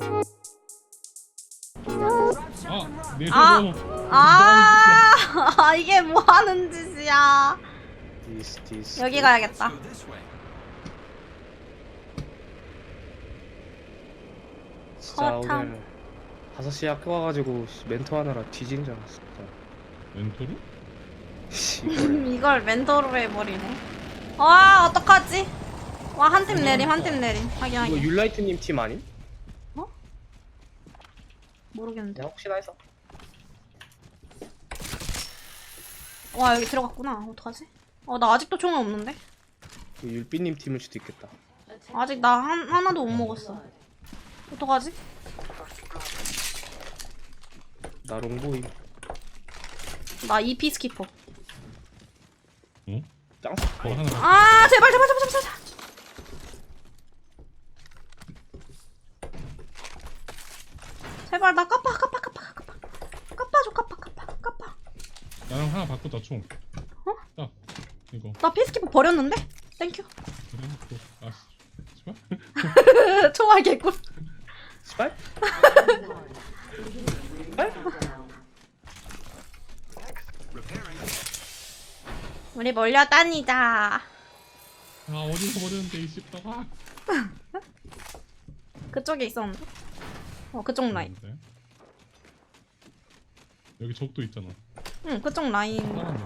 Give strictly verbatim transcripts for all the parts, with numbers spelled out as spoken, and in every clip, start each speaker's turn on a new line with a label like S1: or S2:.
S1: 아, 내
S2: 아!
S1: 손으로.
S2: 아, 이게 뭐 하는 짓이야.
S3: 디스 디스.
S2: 여기 가야겠다.
S3: 진짜
S2: 허탕.
S3: 오늘 다섯 시에 학교 가가지고 씨, 멘토 하느라 뒤진 줄 알았어. 진짜.
S1: 멘토로?
S3: 씨, 이거를.
S2: 이걸 멘토로 해버리네. 와, 어떡하지? 와, 한 팀 내림, 한 팀 내림. 하긴,
S3: 이거
S2: 하긴.
S3: 율라이트님 팀 아님?
S2: 모르겠는데.
S3: 내가 혹시나 해서.
S2: 와, 여기 들어갔구나. 어떡하지? 어, 나 아직도 총이 없는데?
S3: 이거 율비님 팀일 수도 있겠다.
S2: 아직 나 한, 하나도 못 먹었어. 어떡하지?
S3: 나 롱보이.
S2: 나 이피 스키퍼.
S1: 응?
S3: 짱.
S1: 어, 하나.
S2: 아, 제발, 제발, 제발, 제발, 제발. 제발, 나 까빠, 까빠, 까빠, 까빠. 까빠줘, 까빠, 까빠, 까빠.
S1: 나랑 하나 바꾸자 총.
S2: 어?
S1: 딱 이거.
S2: 나 피스키퍼 버렸는데? 땡큐.
S1: 그래. 또. 아, 씨발.
S2: 총알 개꿀.
S3: 스파이?
S2: 우리 몰려다니자.
S1: 아, 어디서 버렸는데 이 씹다가.
S2: 그쪽에 있었는데? 어, 그쪽 라인.
S1: 네. 여기 적도 있잖아.
S2: 응, 그쪽 라인.
S1: 사람이.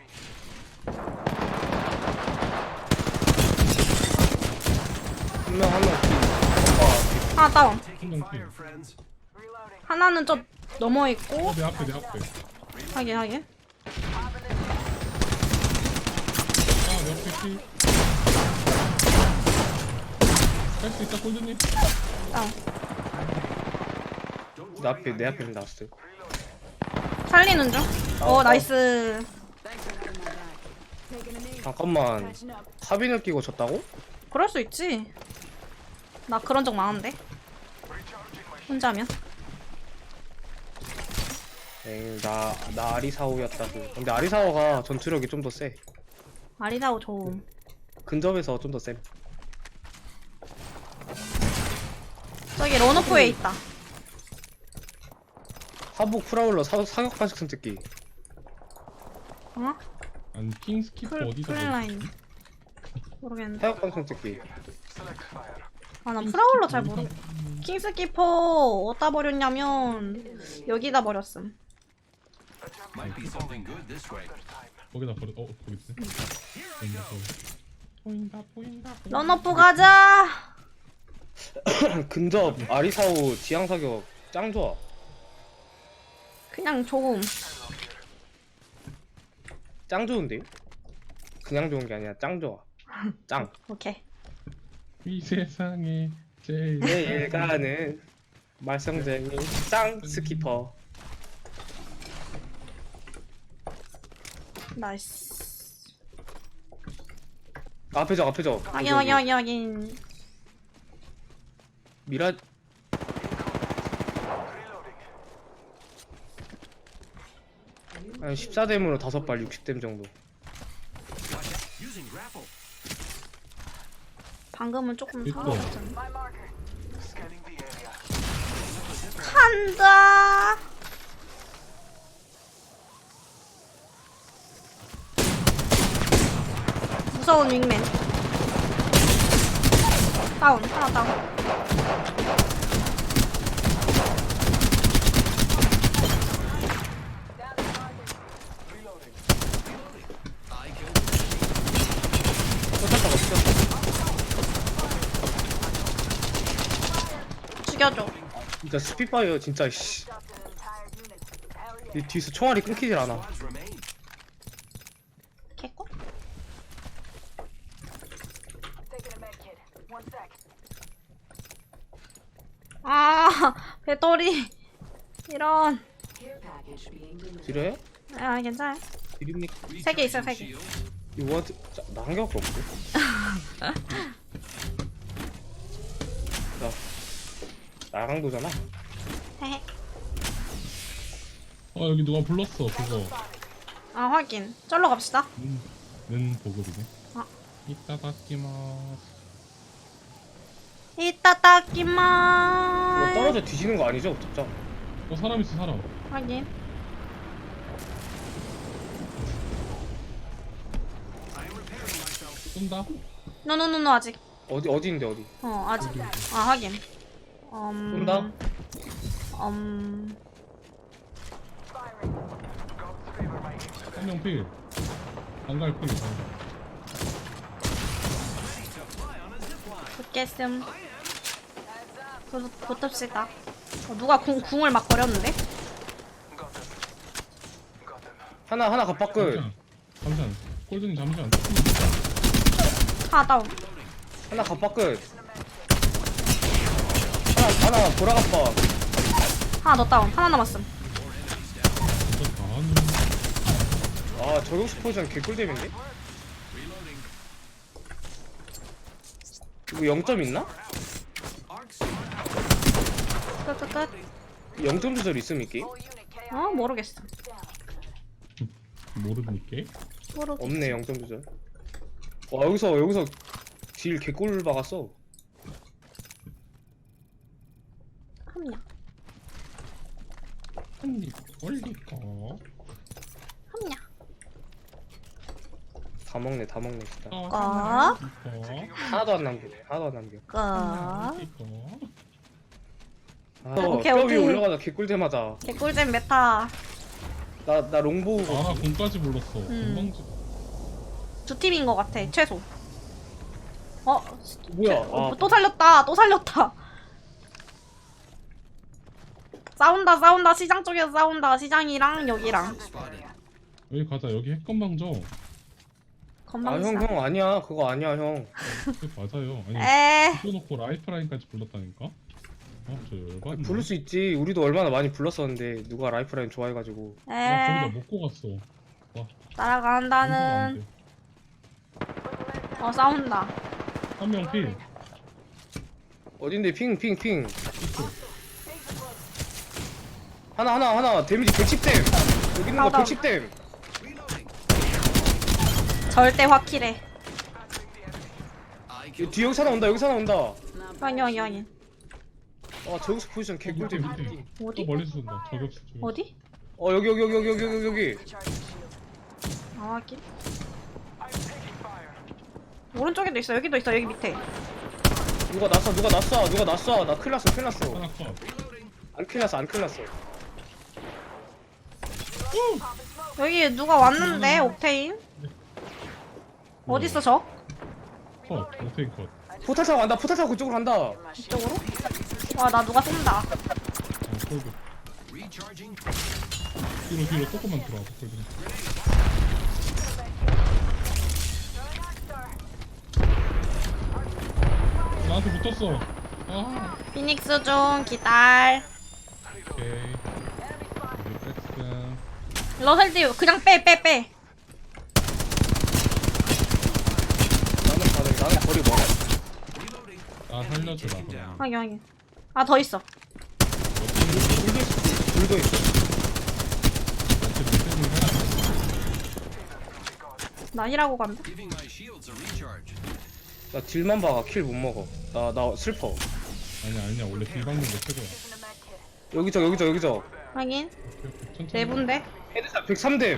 S3: 한명 한명 팀. 오빠
S2: 하나 다운.
S1: 한명 팀.
S2: 하나는 저 넘어 있고.
S1: 어, 내 앞에 내 앞에.
S2: 하긴, 하긴.
S1: 아, 내 앞에 팀. 할수 있다, 꼴드님.
S2: 다운.
S3: 내 앞에 내 앞에 나왔어요.
S2: 살리는 중. 어, 나이스.
S3: 잠깐만. 카빈을 끼고 졌다고?
S2: 그럴 수 있지. 나 그런 적 많은데. 혼자면.
S3: 에이 나나 아리사오였다고. 근데 아리사오가 전투력이 좀 더 세.
S2: 아리사오 좋음.
S3: 근접에서 좀 더 세.
S2: 저기 런오프에 있다.
S3: 하부 프라울러 사, 사격 반식 선택기.
S2: 어?
S1: 아니, 킹 스키퍼
S2: 풀,
S1: 어디서
S2: 풀라인. 모르겠는데.
S3: 사격 반식 선택기.
S2: 아, 나 프라울러 잘 모르. 킹스키퍼 어디다 버렸냐면 여기다 버렸음.
S4: Might be something good this way.
S1: 거기다 버려. 어, 거기 있네. 보인다, 보인다, 보인다. 보인다.
S2: 런오프 가자.
S3: 근접 아리사오 지향 사격 짱 좋아.
S2: 그냥 좋음.
S3: 짱 좋은데요? 그냥 좋은 게 아니라 짱 좋아. 짱.
S2: 오케이.
S1: 이 세상에 제일
S3: 내일 가는 말썽쟁이 짱 스키퍼.
S2: 나이스.
S3: 앞에 저 앞에 저.
S2: 확인 확인 확인 확인.
S3: 미라. 한 십사 댐으로 다섯 발 육십 댐 정도.
S4: Using grapple.
S2: 방금은 조금
S1: 있어.
S2: 사라졌잖아. 간다. 무서운 윙맨. 다운 하나 다운.
S3: 쫓았다가 쫓았다.
S2: 죽여줘.
S3: 진짜 스피파이어 진짜 씨. 이 뒤에서 총알이 끊기질 않아.
S4: Squads remain.
S2: 개꿀? 아, 배터리. 이런.
S3: 지뢰요?
S2: 아, 괜찮아요.
S3: 드립니까?
S2: 세 개 있어요, 세 개.
S3: 이거 원 나 한 개밖에 없는데? 자 나강도잖아.
S2: 헤헤.
S1: 어, 여기 누가 불렀어 그거.
S2: 아, 확인. 쩔러 갑시다.
S1: 는, 는 보급이네.
S2: 아.
S1: 이따 닦기마스.
S2: 이따 닦기만.
S3: 맞아 뒤지는 거 아니죠? 진짜.
S1: 어 사람 있어 사람.
S2: 확인.
S4: I am repairing myself.
S1: 쏜다.
S2: 노노노노 아직.
S3: 어디 어디인데 어디?
S2: 어 아직. 아 확인. 음.
S3: 쏜다?
S2: 음.
S1: 한 명 필. 안갈 필.
S2: 붙겠음. 붙, 붙읍시다. 어, 누가 궁, 궁을 막 버렸는데?
S3: 하나 하나 갑박끝.
S1: 잠시만. 잠시만. 꼴등님 잠시만.
S2: 하나 다운.
S3: 하나 갑박끝. 하나 하나 보라갑박.
S2: 하나 더 다운. 하나 남았음.
S1: 진짜 다하는.
S3: 아 저격수 포지션 개꿀잼인데? 이거 영 점 있나?
S2: 끝끝끝.
S3: 영 점 조절 있음 이 게임?
S2: 어 모르겠어.
S1: 모르니까.
S2: 모르겠어.
S3: 없네 영 점 조절. 와 여기서 여기서 딜 개꿀 박았어.
S2: 함냐.
S1: 한입 올릴까?
S2: 함냐.
S3: 다 먹네 다 먹네 진짜.
S1: 어,
S2: 꺼.
S1: 하나
S3: 하나도 안 남기네 하나도 안 남겨.
S2: 꺼.
S1: 올릴까?
S3: 아,
S2: 오케이,
S3: 뼈
S2: 오케이.
S3: 위에 올라가다 개꿀잼하다.
S2: 개꿀잼 메타.
S3: 나 나 롱보우.
S1: 아나 공까지 불렀어.
S2: 음.
S1: 건방지.
S2: 두 팀인 것 같아. 최소. 어?
S3: 뭐야?
S2: 어,
S3: 아,
S2: 또 살렸다. 또 살렸다. 싸운다 싸운다. 시장 쪽에서 싸운다. 시장이랑 여기랑.
S4: Spotted.
S1: 여기 가자. 여기 핵건방져.
S3: 아,
S2: 건방지다.
S3: 형, 형, 아니야. 그거 아니야, 형.
S1: 네, 맞아요. 아니
S2: 에.
S1: 붙여놓고 라이프라인까지 불렀다니까? 어? 저 열받네.
S3: 부를 수 있지. 우리도 얼마나 많이 불렀었는데, 누가 라이프라인 좋아해가지고.
S1: 와 거기다
S2: 에.
S1: 먹고 갔어. 와
S2: 따라간다는. 어 싸운다.
S1: 한명 필.
S3: 어딘데, 핑, 핑, 핑. 하나, 하나, 하나. 데미지 백십 댐. 여기 있는 거
S2: 나오다.
S3: 백십 댐.
S4: Reloading.
S2: 절대 확실해.
S4: I
S3: 이
S4: killed.
S3: 뒤에 여기 하나 온다, 여기 하나 온다.
S2: 확인 확인 확인.
S3: 아, 저기서 포지션 개꿀잼.
S1: 밑에, 밑에. 또
S2: 어디?
S1: 멀리서 쏜다. 저격수 저격수.
S2: 어디?
S3: 어, 여기, 여기, 여기, 여기, 여기, 여기, 여기.
S2: 아 확인. 오른쪽에도 있어. 여기도 있어. 여기 밑에.
S3: 누가 났어, 누가 났어, 누가 났어. 나 큰일 났어, 큰일 났어.
S1: 하나 컷.
S3: 안 큰일 났어, 안 큰일 났어.
S2: 여기 누가 왔는데 옥테인? 어딨어 저?
S1: 컷. 오테인 컷.
S3: 포탈 타고 간다, 포탈 타고 그쪽으로 간다.
S2: 이쪽으로? 와 나 누가 쏜다.
S1: 어 꼴등.
S4: Recharging.
S1: 뒤로 뒤로 조금만 들어와. 꼴등. 나한테 붙었어. 아.
S2: 피닉스 중 기다려.
S1: 오케이. 여기 백스.
S2: 러셀디 그냥 빼 빼 빼.
S3: 나는 가능, 나는 거리 멀어.
S4: Reloading.
S1: 아 살려주라.
S4: Taken down.
S2: 확인 확인. 아 더 있어.
S3: 불도 있어, 불도 있어.
S2: 난이라고 간다.
S4: Giving my shields a recharge.
S3: 나 딜만 박아, 킬 못 먹어. 나, 나 슬퍼.
S1: 아니야 아니야 원래 딜 박는 게 최고야.
S3: 여기저, 여기저, 여기저.
S2: 확인.
S1: 오케이, 오케이. 천천히.
S2: 네 분데.
S3: 헤드샷 백삼 댐.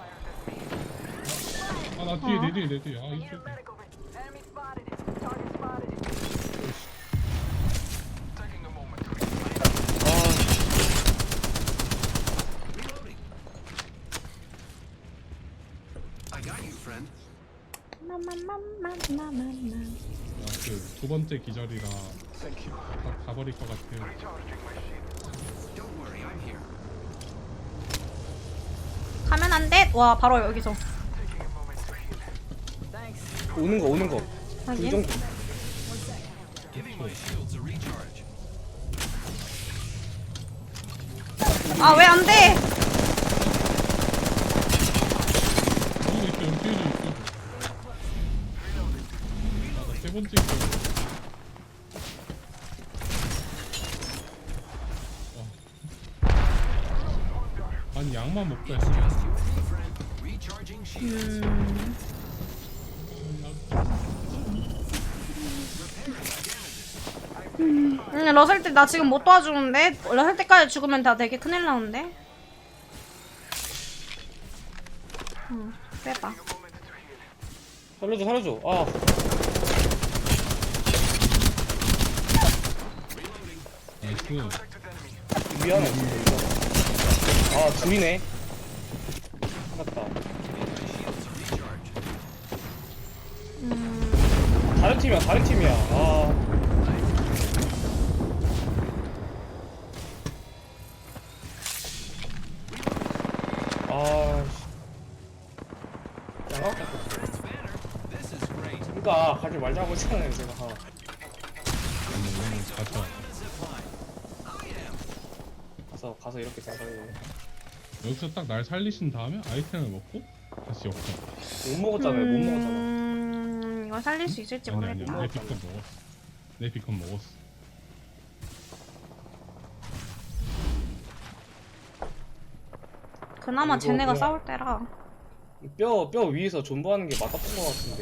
S1: 아나 뒤에
S2: 어.
S1: 내 뒤에 내 뒤에. 아 이쪽.
S4: I got you, friend.
S2: 마마마마마마마.
S1: 아그 두 번째 기절이라 다 가버릴 것 같아요.
S4: Don't worry, I'm here.
S2: 가면 안 돼. 와 바로 여기서.
S3: 오는 거, 오는 거.
S2: 확인.
S3: 불정.
S4: Giving my shields a recharge.
S2: 아 왜 안 돼?
S1: 여기도 있어 여기 뒤에도 있어. 아나 세 번째 기절. 아. 아니 약만 먹자.
S4: Just you and me, friend. Recharging shields.
S2: 음.
S4: Repairing my damages.
S2: 음, 러셀 때 나 지금 못 도와주는데? 러셀 때까지 죽으면 다 되게 큰일 나는데? 응, 빼봐.
S3: 살려줘 살려줘. 아
S1: 나이스.
S3: 미안해 진짜 이거. 아 둘이네. 맞다.
S2: 음,
S3: 다른 팀이야 다른 팀이야. 아 아, 씨. 양각?
S4: This is great.
S3: 그니까 가지 말자고 했잖아요 제가.
S1: 오늘 오늘 가자.
S3: 가서 가서 이렇게 생각해요.
S1: 여기서 딱 날 살리신 다음에 아이템을 먹고 다시 역전.
S3: 못 먹었잖아요 못 먹었잖아.
S2: 음, 이거 살릴 수 있을지
S1: 아니 아니야.
S2: 모르겠다.
S1: 내 비컨 먹었어. 내 비컨 먹었어.
S2: 그나마
S3: 이거
S2: 쟤네가
S3: 그냥-
S2: 싸울 때라.
S3: 뼈, 뼈 위에서 존버하는 게 맞았던 것 같은데.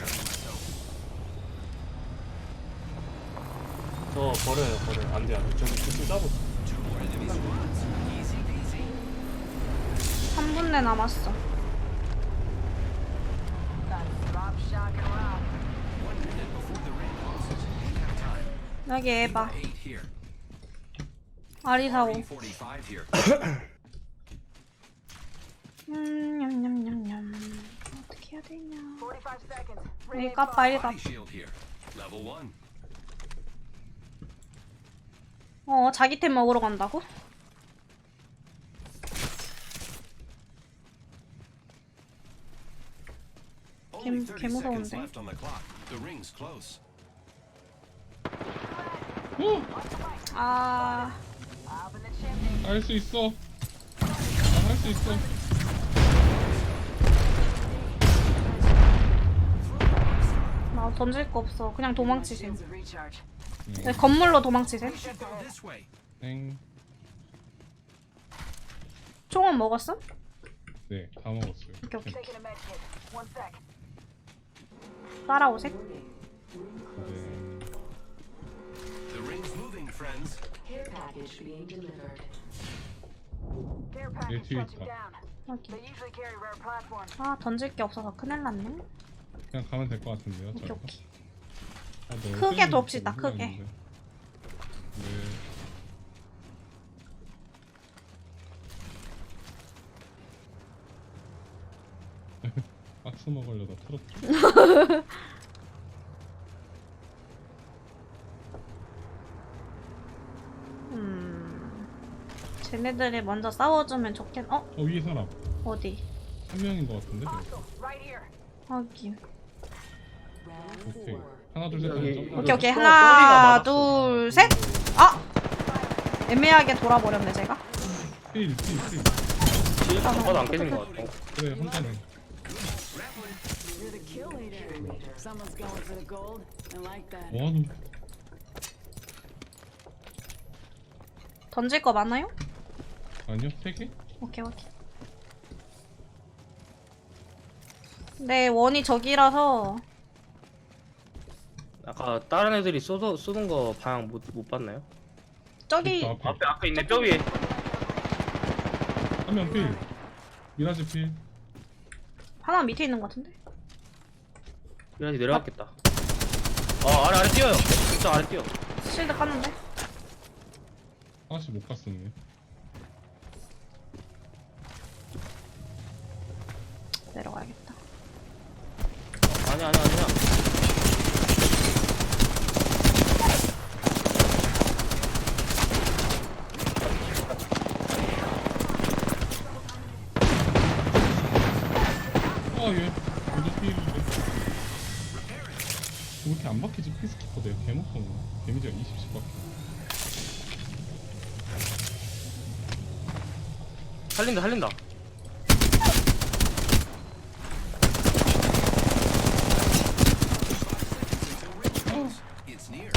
S3: 저 버려요, 버려요. 안 돼, 안 돼. 저기 구슬 짜고.
S2: 삼 분 내 남았어. 여기 에바.
S4: Eight here.
S2: 아리사오.
S4: forty-five here.
S2: 음, 냠냠냠냠. 어떻게 해야 되냐. 여기 까빠 일갑.
S4: Body shield here. Level one.
S2: 어, 자기 템 먹으러 간다고?
S4: Only
S2: 개-
S4: thirty
S2: 개
S4: seconds
S2: 무서운데?
S4: left on the clock. The ring's close.
S2: 아,
S1: 할 수 있어. 할 수 있어.
S2: 나 던질 거 없어. 그냥 도망치셈.
S1: 응.
S2: 네, 건물로 도망치셈.
S4: Should go this way.
S1: 땡.
S2: 총은 먹었어?
S1: 네, 다 먹었어요.
S2: 오케이, 오케이. 따라오셈.
S1: 네.
S4: The ring's moving, friends.
S5: Care package being delivered.
S1: 내 뒤에 있다.
S2: 여기. 아, 던질 게 없어서 큰일 났네.
S1: 그냥 가면 될 것 같은데요,
S2: 오케이,
S1: 저희가.
S2: 오케이.
S1: 아, 너무
S2: 크게
S1: 세게
S2: 돕시다,
S1: 먹고
S2: 크게.
S1: 있는데. 네. 박스 먹으려다 털었죠.
S2: 음. 쟤네들이 먼저 싸워주면 좋겠, 어?
S1: 어, 위에 사람.
S2: 어디?
S1: 한 명인 것 같은데? 저거.
S2: 확인.
S5: Round
S1: 오케이.
S5: four.
S1: 하나, 둘, 셋 하면
S3: 여기-
S1: 점프.
S2: 오케이, 오케이.
S3: 뼈-
S2: 하나,
S3: 뼈리가
S2: 둘, 셋! 아! 애매하게 돌아버렸네, 제가.
S1: 필, 필, 필.
S3: 뒤에 잡아도 안 깨진 것 같아.
S1: 그래, 혼자네.
S6: You're the kill leader. Someone's going for the gold. I like that.
S1: 뭐하노?
S2: 던질 거 많아요?
S1: 아니요, 세 개?
S2: 오케이, 오케이. 네, 원이 저기라서.
S3: 아까 다른 애들이 쏘, 쏘는 거 방향 못, 못 봤나요?
S2: 저기,
S1: 저 앞에.
S3: 앞에, 앞에 있네, 뼈 위에.
S1: 한 명 필. 미라지 필.
S2: 하나 밑에 있는 것 같은데?
S3: 이라지 내려갔겠다. 아, 아래, 아래 뛰어요. 진짜 아래 뛰어.
S2: 실드 깠는데?
S1: 하나씩 못 갔었네.
S2: 내려가야겠다.
S3: 아니야, 아니야, 아니야.
S1: 아, 얘. 모두 필인데. 왜 이렇게 안 박히지? 피스키퍼 내가 개못하네. 데미지가 이십씩 박혀.
S3: 살린다, 살린다.
S4: It's near.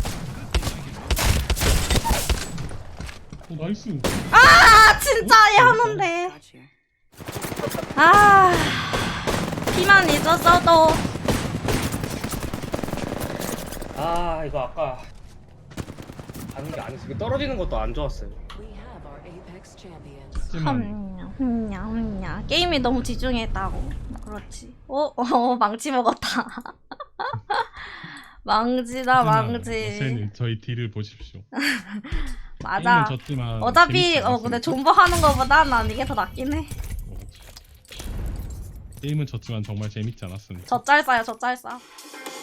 S1: 어, 나이스.
S2: 아, 진짜 얘 하는데.
S6: Got you.
S2: 아, 피만 잊었어도.
S3: 아, 이거 아까 가는 게 아니었어. 이거 떨어지는 것도 안 좋았어요.
S5: We have our Apex champions.
S1: 하지만
S2: 흠냐 흠냐 흠냐 게임에 너무 집중했다고. 그렇지. 어? 어 망치 먹었다. 망치다 망치.
S1: 어세님 저희 딜을 보십시오.
S2: 맞아.
S1: 게임은 졌지만
S2: 어차피
S1: 재밌지
S2: 어 근데
S1: 않았습니까?
S2: 존버 하는 거보다 난 이게 더 낫긴 해.
S1: 어, 게임은 졌지만 정말 재밌지 않았습니다.
S2: 저 짤싸요 저 짤싸.